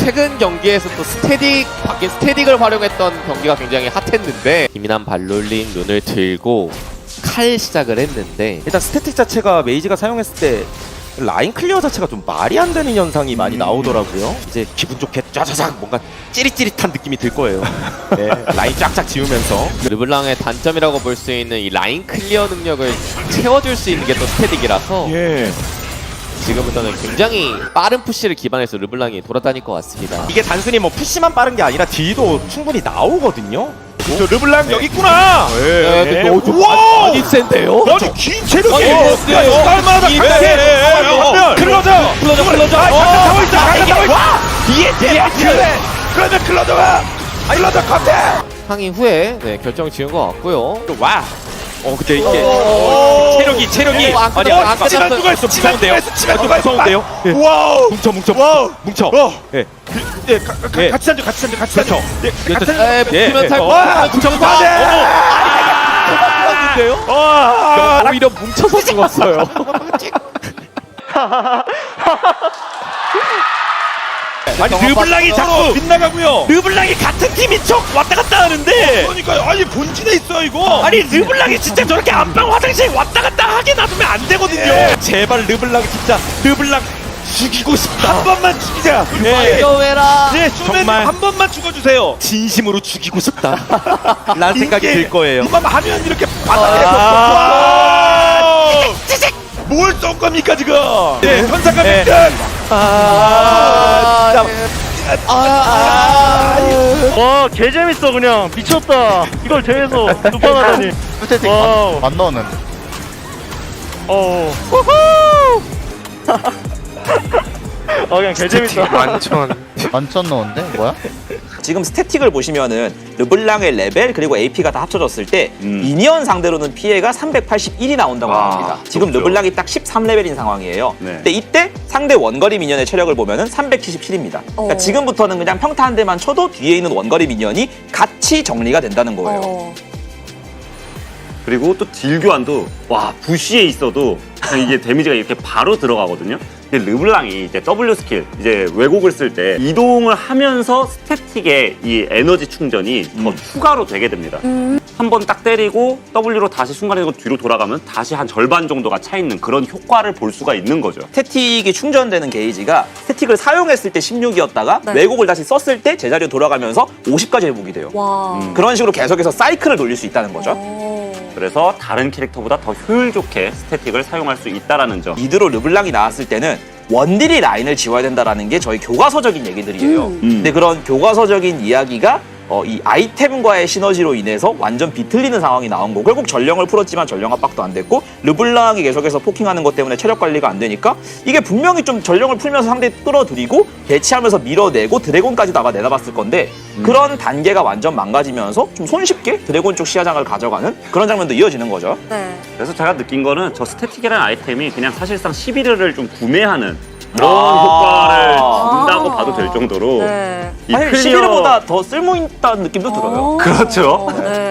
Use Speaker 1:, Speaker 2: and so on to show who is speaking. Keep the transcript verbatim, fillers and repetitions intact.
Speaker 1: 최근 경기에서 또 스태딕 바뀐 스태딕을 활용했던 경기가 굉장히 핫했는데 기민한 발롤링 눈을 들고 칼 시작을 했는데
Speaker 2: 일단 스태틱 자체가 메이지가 사용했을 때 라인 클리어 자체가 좀 말이 안 되는 현상이 많이
Speaker 3: 음.
Speaker 2: 나오더라고요. 이제 기분 좋게 짜자작 뭔가 찌릿찌릿한 느낌이 들 거예요. 네, 라인 쫙쫙 지우면서
Speaker 1: 르블랑의 단점이라고 볼 수 있는 이 라인 클리어 능력을 채워줄 수 있는 게 또 스태딕이라서
Speaker 3: 예.
Speaker 1: 지금부터는 굉장히 빠른 푸시를 기반해서 르블랑이 돌아다닐 것 같습니다.
Speaker 2: 이게 단순히 뭐 푸시만 빠른 게 아니라 딜도 충분히 나오거든요.
Speaker 3: 저 르블랑 여기 있구나.
Speaker 1: 네, 근데 어, 좀
Speaker 3: 우와!
Speaker 1: 많이 센데요?
Speaker 3: 아주 긴 체력이.
Speaker 1: 아니, 뭐, 네.
Speaker 3: 깔만하다.
Speaker 1: 이-
Speaker 3: 갈게.
Speaker 1: 예, 예, 예, 어.
Speaker 3: 하면 클로저.
Speaker 1: 클로저, 클로저.
Speaker 3: 아,
Speaker 1: 어.
Speaker 3: 잠깐 타고 있어.
Speaker 1: 아,
Speaker 3: 잠깐
Speaker 1: 이게-
Speaker 3: 타고 있어.
Speaker 1: 와!
Speaker 3: 뒤에 뒤에 뒤에. 그러면 클로저가. 아, 클로저 컨테.
Speaker 1: 항의 후에 네, 결정 지은 것 같고요.
Speaker 2: 또 와. 어 근데 이게
Speaker 3: 오.
Speaker 2: 체력이 체력이
Speaker 1: 어, 안
Speaker 2: 아니
Speaker 1: 끝났어, 안
Speaker 2: 아니
Speaker 3: 치만
Speaker 1: 끝났어.
Speaker 3: 누가 있어? 치만 누가
Speaker 2: 무서운데요?
Speaker 3: 있어? 치만
Speaker 2: 아,
Speaker 3: 누가 있어?
Speaker 2: 무서운데요? 예.
Speaker 3: 와우.
Speaker 2: 뭉쳐 뭉쳐
Speaker 3: 와우.
Speaker 2: 뭉쳐.
Speaker 3: 어.
Speaker 2: 예.
Speaker 3: 예, 가, 가,
Speaker 2: 예.
Speaker 3: 같이 앉아, 같이 앉아, 같이 앉아.
Speaker 2: 그렇죠.
Speaker 3: 예, 같이 앉아.
Speaker 1: 에,
Speaker 2: 예,
Speaker 1: 붙으면
Speaker 2: 예.
Speaker 1: 탈
Speaker 3: 와,
Speaker 1: 붙여서
Speaker 3: 안 돼.
Speaker 1: 는데요
Speaker 3: 와.
Speaker 1: 오히려 뭉쳐서 죽었어요.
Speaker 3: 아니 르블랑이 자꾸 빗나가고요.
Speaker 2: 르블랑이 같은 팀인 척 왔다 갔다 하는데
Speaker 3: 그러니까요. 아니 본진에 있어 이거.
Speaker 2: 아니 르블랑이 진짜 저렇게 안방 화장실 왔다 갔다 하게 놔두면 안 되거든요.
Speaker 3: 예.
Speaker 2: 제발 르블랑 진짜 르블랑 죽이고 싶다.
Speaker 3: 한 번만 죽이자.
Speaker 2: 예.
Speaker 1: 이거왜라
Speaker 3: 예,
Speaker 2: 정말.
Speaker 3: 정말 한 번만 죽어주세요.
Speaker 2: 진심으로 죽이고 싶다. 라는 생각이
Speaker 3: 이게
Speaker 2: 들 거예요.
Speaker 3: 이만 하면 이렇게 바닥에서
Speaker 2: 아.
Speaker 3: 와. 뭘 쏜 겁니까 지금? 네, 현상가
Speaker 2: 예.
Speaker 3: 백등.
Speaker 2: 아, 진짜.
Speaker 1: 아,
Speaker 4: 와, 개 재밌어 그냥 미쳤다. 이걸 대회에서 두 번 하다니.
Speaker 5: 스태틱
Speaker 4: 와우.
Speaker 5: 안, 안 넣었는데.
Speaker 4: 어. 아 그냥 개 재밌다.
Speaker 5: 완전 넣었는데? 뭐야?
Speaker 6: 지금 스태틱을 보시면은 르블랑의 레벨 그리고 에이피가 다 합쳐졌을 때 미니언 상대로는 피해가 삼백팔십일이 나온다고 합니다. 지금 르블랑이 딱 십삼 레벨인 상황이에요. 근데 이때 상대 원거리 미니언의 체력을 보면은 삼백칠십칠입니다. 그러니까 지금부터는 그냥 평타 한 대만 쳐도 뒤에 있는 원거리 미니언이 같이 정리가 된다는 거예요.
Speaker 7: 그리고 또 딜 교환도 와 부시에 있어도 그냥 이게 데미지가 이렇게 바로 들어가거든요. 근데 르블랑이 이제 W 스킬 이제 왜곡을 쓸 때 이동을 하면서 스태틱의 이 에너지 충전이 더 추가로 되게 됩니다. 한 번 딱 때리고 W로 다시 순간이동 뒤로 돌아가면 다시 한 절반 정도가 차 있는 그런 효과를 볼 수가 있는 거죠.
Speaker 6: 스태틱이 충전되는 게이지가 스태틱을 사용했을 때 십육이었다가 왜곡을 다시 썼을 때 제자리로 돌아가면서 오십까지 회복이 돼요.
Speaker 8: 와.
Speaker 6: 그런 식으로 계속해서 사이클을 돌릴 수 있다는 거죠.
Speaker 7: 그래서 다른 캐릭터보다 더 효율 좋게 스태틱을 사용할 수 있다라는 점.
Speaker 6: 이드로 르블랑이 나왔을 때는 원딜이 라인을 지워야 된다라는 게 저희 교과서적인 얘기들이에요. 근데 그런 교과서적인 이야기가 어, 이 아이템과의 시너지로 인해서 완전 비틀리는 상황이 나온 거고 결국 전령을 풀었지만 전령 압박도 안 됐고 르블랑이 계속해서 포킹하는 것 때문에 체력 관리가 안 되니까 이게 분명히 좀 전령을 풀면서 상대 끌어들이고 대치하면서 밀어내고 드래곤까지 다가 내다봤을 건데 그런 단계가 완전 망가지면서 좀 손쉽게 드래곤 쪽 시야장을 가져가는 그런 장면도 이어지는 거죠.
Speaker 8: 네.
Speaker 7: 그래서 제가 느낀 거는 저 스태틱이라는 아이템이 그냥 사실상 십일을 좀 구매하는 그런
Speaker 6: 아.
Speaker 7: 효과를 준다고 봐도 될 정도로
Speaker 8: 네.
Speaker 7: 이
Speaker 6: 사실
Speaker 7: 클리어-
Speaker 6: 십일보다 더 쓸모있다는 느낌도 들어요.
Speaker 8: 오.
Speaker 7: 그렇죠.
Speaker 8: 네.